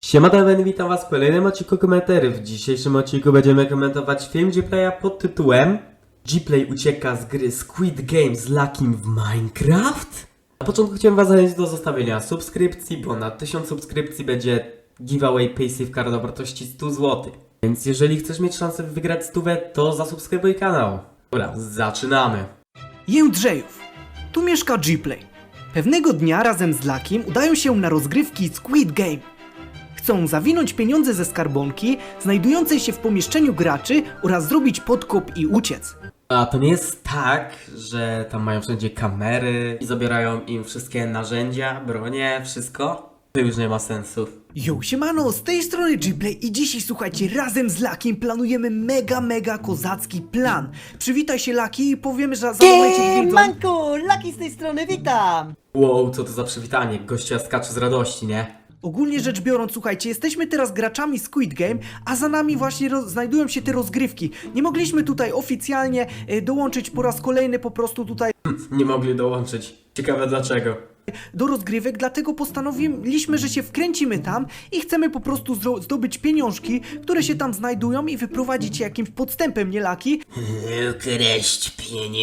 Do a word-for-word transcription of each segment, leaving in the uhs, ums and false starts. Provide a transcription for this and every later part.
Siema Damian, witam was w kolejnym odcinku komentarzy. W dzisiejszym odcinku będziemy komentować film Gplaya pod tytułem Gplay ucieka z gry Squid Game z Luckim w Minecraft? Na początku chciałem was zachęcić do zostawienia subskrypcji, bo na tysiąc subskrypcji będzie giveaway Paysafe Card o wartości sto złotych. Więc jeżeli chcesz mieć szansę wygrać stówę, to zasubskrybuj kanał. Dobra, zaczynamy. Jędrzejów. Tu mieszka Gplay. Pewnego dnia razem z Luckim udają się na rozgrywki Squid Game. Chcą zawinąć pieniądze ze skarbonki znajdującej się w pomieszczeniu graczy oraz zrobić podkop i uciec. A to nie jest tak, że tam mają wszędzie kamery i zabierają im wszystkie narzędzia, bronie, wszystko? To już nie ma sensu. Yo, siemano, z tej strony Gplay i dzisiaj słuchajcie, razem z Luckiem planujemy mega, mega kozacki plan. Przywitaj się Lucky i powiemy, że za momencie widzą... Manku, Lucky z tej strony, witam! Wow, co to za przywitanie, gościa skacze z radości, nie? Ogólnie rzecz biorąc, słuchajcie, jesteśmy teraz graczami Squid Game, a za nami właśnie roz- znajdują się te rozgrywki. Nie mogliśmy tutaj oficjalnie e, dołączyć po raz kolejny po prostu tutaj Nie mogli dołączyć. Ciekawe dlaczego. do rozgrywek, dlatego postanowiliśmy, że się wkręcimy tam i chcemy po prostu zro- zdobyć pieniążki, które się tam znajdują i wyprowadzić je jakimś podstępem, nie Lucky? Ukraść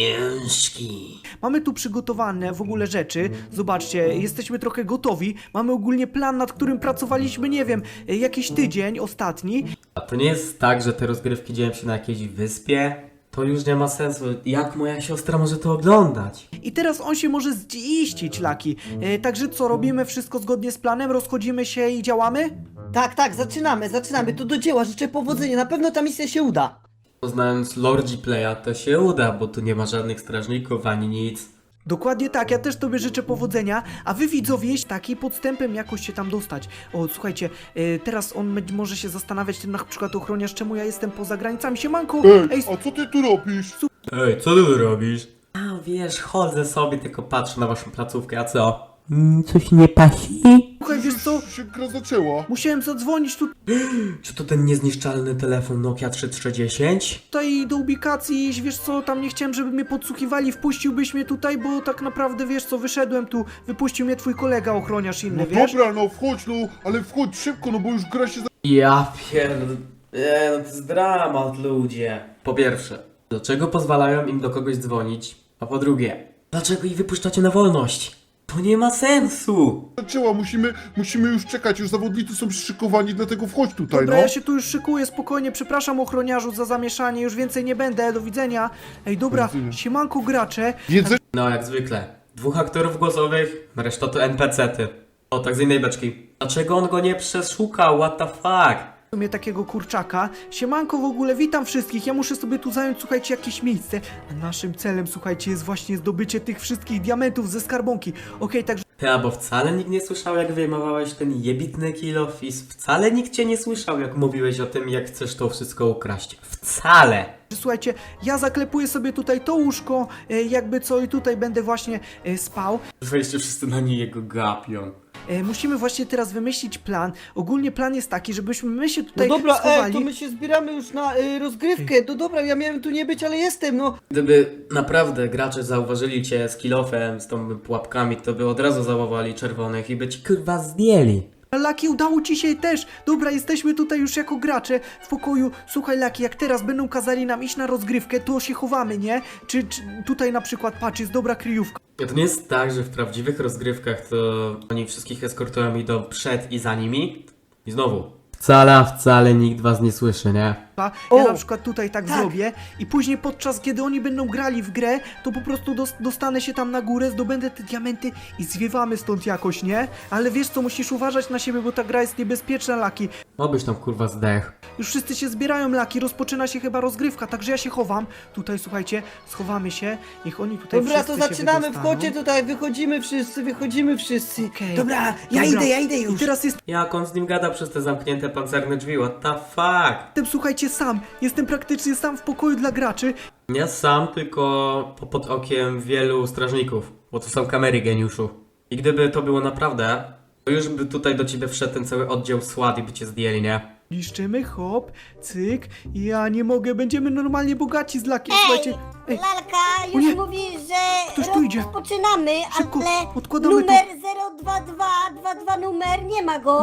pieniążki. Mamy tu przygotowane w ogóle rzeczy, zobaczcie, jesteśmy trochę gotowi, mamy ogólnie plan, nad którym pracowaliśmy, nie wiem, e, jakiś tydzień ostatni. A to nie jest tak, że te rozgrywki dzieją się na jakiejś wyspie? To już nie ma sensu. Jak moja siostra może to oglądać? I teraz on się może ziścić, Lucky. E, także co, robimy wszystko zgodnie z planem, rozchodzimy się i działamy? Tak, tak, zaczynamy, zaczynamy, to do dzieła, życzę powodzenia, na pewno ta misja się uda. Znając lore Gplaya to się uda, bo tu nie ma żadnych strażników ani nic. Dokładnie tak, ja też tobie życzę powodzenia, a wy widzowie, taki podstępem jakoś się tam dostać. O, słuchajcie, e, teraz on będzie- może się zastanawiać, ten na przykład ochroniarz, czemu ja jestem poza granicami. Siemanko! Ej, a co ty tu robisz? Ej, co ty tu robisz? A wiesz, chodzę sobie, tylko patrzę na waszą placówkę, a co? Mm, coś nie pasi? Słuchaj, wiesz co? Się gra zaczęła. Musiałem zadzwonić tu- Czy to ten niezniszczalny telefon Nokia trzy tysiące trzysta dziesięć? tutaj do ubikacji i wiesz co, tam nie chciałem, żeby mnie podsłuchiwali, wpuściłbyś mnie tutaj, bo tak naprawdę, wiesz co, wyszedłem tu, wypuścił mnie twój kolega ochroniarz inny, No wiesz? dobra, no wchodź, no, ale wchodź szybko, no bo już gra się za... Ja pierd... Eee, no to jest dramat, ludzie. Po pierwsze, dlaczego pozwalają im do kogoś dzwonić? A po drugie, dlaczego ich wypuszczacie na wolność? To nie ma sensu! zaczęła, musimy, musimy już czekać, już zawodnicy są przyszykowani, dlatego wchodź tutaj, Dobra, no. ja się tu już szykuję, spokojnie, przepraszam ochroniarzu za zamieszanie, już więcej nie będę, do widzenia. Ej, dobra, Do widzenia. siemanko gracze. Jedzenie No, jak zwykle. Dwóch aktorów głosowych, reszta to en pe ce ty. O, tak z innej beczki. Dlaczego on go nie przeszukał? What the fuck? W sumie takiego kurczaka. Siemanko w ogóle, witam wszystkich, ja muszę sobie tu zająć, słuchajcie, jakieś miejsce. A naszym celem, słuchajcie, jest właśnie zdobycie tych wszystkich diamentów ze skarbonki. Okej, także Ja, bo wcale nikt nie słyszał, jak wyjmowałeś ten jebitny kilof i wcale nikt cię nie słyszał, jak mówiłeś o tym, jak chcesz to wszystko ukraść. Wcale! słuchajcie, ja zaklepuję sobie tutaj to łóżko, e, jakby co i tutaj będę właśnie e, spał. Wejście wszyscy na nie jego gapią. E, musimy właśnie teraz wymyślić plan. Ogólnie plan jest taki, żebyśmy my się No tutaj dobra, schowali. ej, to my się zbieramy już na y, rozgrywkę, no dobra, ja miałem tu nie być, ale jestem, no. Gdyby naprawdę gracze zauważyli cię z kilofem, z tą pułapkami, to by od razu załowali czerwonych i by ci kurwa zdjęli. Lucky, udało ci się też! Dobra, jesteśmy tutaj już jako gracze w pokoju. Słuchaj, Lucky, jak teraz będą kazali nam iść na rozgrywkę, to się chowamy, nie? Czy, czy tutaj na przykład, patrz, jest dobra kryjówka. To nie jest tak, że w prawdziwych rozgrywkach to oni wszystkich eskortują, idą przed i za nimi. I znowu. Wcale, wcale nikt was nie słyszy, nie? Ja O! na przykład tutaj tak, Tak. zrobię i później podczas kiedy oni będą grali w grę, to po prostu dos- dostanę się tam na górę, zdobędę te diamenty i zwiewamy stąd jakoś, nie? Ale wiesz co, musisz uważać na siebie, bo ta gra jest niebezpieczna, Lucky. Obyś tam kurwa zdech. Już wszyscy się zbierają, Lucky, rozpoczyna się chyba rozgrywka, także ja się chowam. Tutaj, słuchajcie, schowamy się, niech oni tutaj Dobra, to wszyscy się zaczynamy, wydostaną. wchodźcie tutaj, wychodzimy wszyscy, wychodzimy wszyscy. Okej. Dobra, ja Dobra. idę, ja idę I już. teraz jest Jak on z nim gada przez te zamknięte pancerne drzwi? What the fuck? Jestem, słuchajcie, sam. Jestem praktycznie sam w pokoju dla graczy. Nie sam, tylko po- pod okiem wielu strażników. Bo to są kamery, geniuszu. I gdyby to było naprawdę, to już by tutaj do ciebie wszedł ten cały oddział SWAT i by cię zdjęli, nie? Niszczymy, hop, cyk. Ja nie mogę, będziemy normalnie bogaci z Lucky. Słuchajcie, ej, Lalka O nie! już mówi, że Ktoś tu idzie. rozpoczynamy, Szybko, ale odkładamy numer zero dwa dwa dwa dwa numer nie ma go. nie,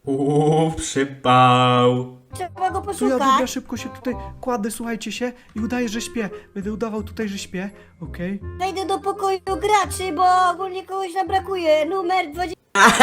Uuu, przypał. Trzeba go To ja, dobra, poszukać. szybko się tutaj kładę, słuchajcie się, i udaję, że śpię. Będę udawał tutaj, że śpię, okej? Wejdę do pokoju graczy, bo ogólnie kogoś nam brakuje. Numer dwadzieścia.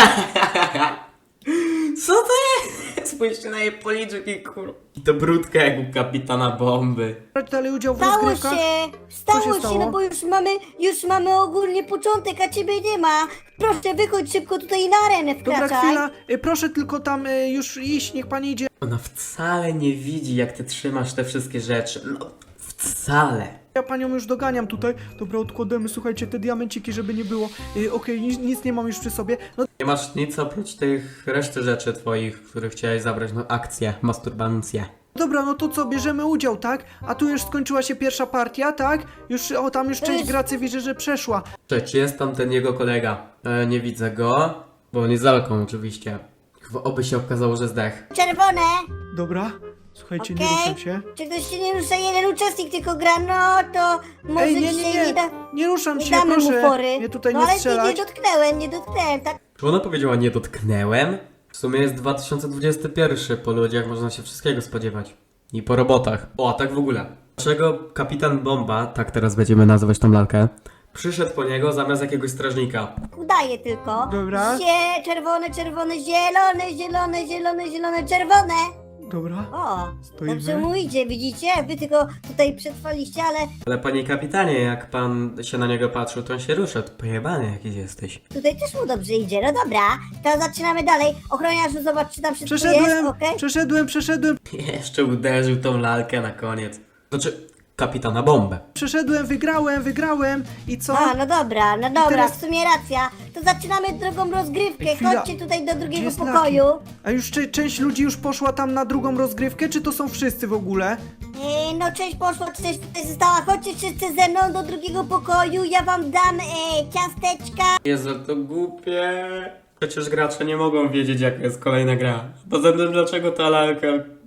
Co to jest? Spójrzcie na jej policzki, kur... I to brudka jak u kapitana bomby. Brać dalej udział w Stało rozgrywkach? się! Stało się się, stało? no bo już mamy, już mamy ogólnie początek, a ciebie nie ma. Proszę, wychodź szybko tutaj na arenę Dobra, wkraczaj. chwila, y, proszę tylko tam y, już iść, niech pani idzie. Ona wcale nie widzi, jak ty trzymasz te wszystkie rzeczy. No, wcale. Ja panią już doganiam tutaj. Dobra, odkładamy, słuchajcie, te diamenciki, żeby nie było. Y, okej, nic, nic nie mam już przy sobie. No Nie masz nic oprócz tych reszty rzeczy twoich, które chciałeś zabrać na akcję, masturbancję. dobra, no to co, bierzemy udział, tak? A tu już skończyła się pierwsza partia, tak? Już, o, tam już część Ys. graczy widzę, że przeszła. Cześć, czy jest tam ten jego kolega? E, nie widzę go, bo on jest za lalką oczywiście. Chyba oby się okazało, że zdech. Czerwone. Dobra, słuchajcie, nie Okej. ruszam się. Czy ktoś się nie rusza? Jeden uczestnik tylko gra, no to może Ej, nie, nie, dzisiaj nie, nie, da, nie ruszam nie się, damy mu proszę. fory. Nie tutaj no nie ale strzelać. nie, nie dotknęłem, nie dotknęłem, tak? Czy ona powiedziała nie dotknęłem? W sumie jest dwa tysiące dwudziesty pierwszy, po ludziach można się wszystkiego spodziewać. I po robotach. O, a tak w ogóle. Dlaczego kapitan Bomba, tak teraz będziemy nazywać tą lalkę, przyszedł po niego zamiast jakiegoś strażnika? Udaje tylko. Dobra. Zie, czerwone, czerwone, zielone, zielone, zielone, zielone, czerwone. Dobra. O, Stoimy. dobrze mu idzie, widzicie? Wy tylko tutaj przetrwaliście, ale Ale panie kapitanie, jak pan się na niego patrzył, to on się ruszał. Pojebany jakiś jesteś. tutaj też mu dobrze idzie. No dobra, to zaczynamy dalej. Ochroniarzu, zobacz, czy tam wszystko jest, Przeszedłem, okej? przeszedłem, przeszedłem, Jeszcze uderzył tą lalkę na koniec. Znaczy, kapitana Bombę. przeszedłem, wygrałem, wygrałem i co? A, no dobra, no dobra, teraz- w sumie racja. To zaczynamy drugą rozgrywkę. Ej, chwila. Chodźcie tutaj do Gdzie drugiego jest pokoju. A już cze- część ludzi już poszła tam na drugą rozgrywkę, czy to są wszyscy w ogóle? E, no część poszła, część tutaj została. Chodźcie wszyscy ze mną do drugiego pokoju. Ja wam dam e, ciasteczka. Jezu, to głupie. Przecież gracze nie mogą wiedzieć, jaka jest kolejna gra. Poza tym, dlaczego ta lalka...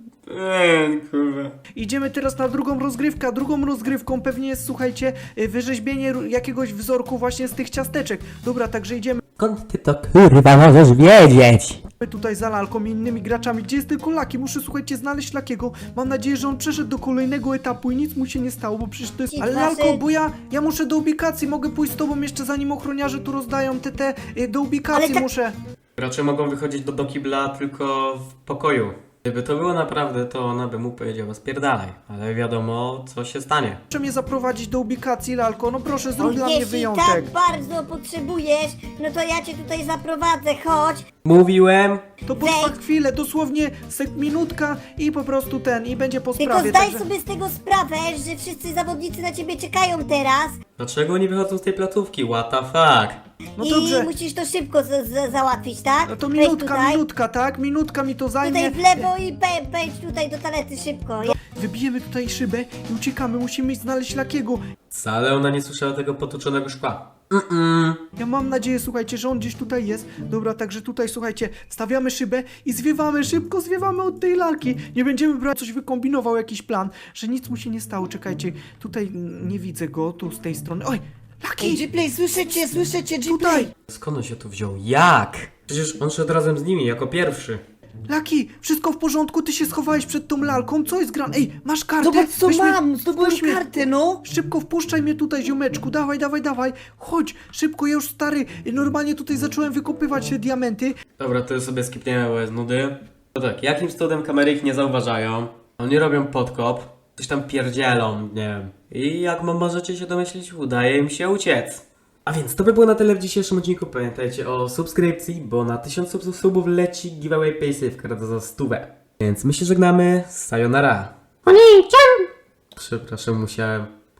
Eee, kurwa. Idziemy teraz na drugą rozgrywkę, a drugą rozgrywką pewnie jest, słuchajcie, y, wyrzeźbienie ru- jakiegoś wzorku właśnie z tych ciasteczek. Dobra, także idziemy Skąd ty to kurwa możesz wiedzieć? tutaj za lalką i innymi graczami. Gdzie jest tylko Laki? Muszę, słuchajcie, znaleźć Lakiego. Mam nadzieję, że on przeszedł do kolejnego etapu i nic mu się nie stało, bo przecież to jest... Ci Ale dwa Lalko, sy- bo ja, ja muszę do ubikacji, mogę pójść z tobą jeszcze zanim ochroniarze tu rozdają te, te, y, do ubikacji Ale tak- muszę. Gracze mogą wychodzić do, do kibla tylko w pokoju. Gdyby to było naprawdę, to ona by mu powiedziała spierdalaj. Ale wiadomo, co się stanie. Proszę mnie zaprowadzić do ubikacji, Lalko, no proszę, zrób dla mnie Jeśli wyjątek. tak bardzo potrzebujesz, no to ja cię tutaj zaprowadzę. Chodź. Mówiłem. To potrwa Wejdź. chwilę, dosłownie sek minutka i po prostu ten, i będzie po Tylko sprawie. zdaj także- sobie z tego sprawę, że wszyscy zawodnicy na ciebie czekają teraz. Dlaczego oni wychodzą z tej placówki? What the fuck? No I dobrze, musisz to szybko z- z- załatwić, tak? no to Wejdź minutka, tutaj, minutka, tak? Minutka mi to zajmie. Tutaj w lewo i pe- pejdź tutaj do toalety szybko. Ja- Wybijemy tutaj szybę i uciekamy, musimy znaleźć Lakiego. Wcale ona nie słyszała tego potłuczonego szkła. Mm-mm. Ja mam nadzieję, słuchajcie, że on gdzieś tutaj jest. Dobra, także tutaj, słuchajcie, stawiamy szybę i zwiewamy, szybko zwiewamy od tej lalki. Nie będziemy brać, coś wykombinował, jakiś plan, że nic mu się nie stało. Czekajcie, tutaj mm, nie widzę go, tu z tej strony. Oj, Ej, Laki! Gplay, słyszycie, słyszycie, Gplay! Tutaj! Skąd on się tu wziął? Jak? Przecież on szedł razem z nimi, jako pierwszy. Laki, wszystko w porządku, ty się schowałeś przed tą lalką, co jest gran? Ej, masz kartę? Zobacz co Weź mnie- mam, zdobyłem weź mnie- kartę, no! Szybko wpuszczaj mnie tutaj, ziomeczku, dawaj, dawaj, dawaj, chodź, szybko, ja już stary, normalnie tutaj zacząłem wykopywać te diamenty. Dobra, to sobie skipniemy, bo jest nudy. No tak, jakim cudem kamery ich nie zauważają? Oni robią podkop, coś tam pierdzielą, nie wiem. I jak mo- możecie się domyślić, udaje im się uciec. A więc to by było na tyle w dzisiejszym odcinku. Pamiętajcie o subskrypcji, bo na tysiąc sub- subów leci giveaway paysafe'ka za stówę. Więc my się żegnamy, sayonara. Przepraszam, musiałem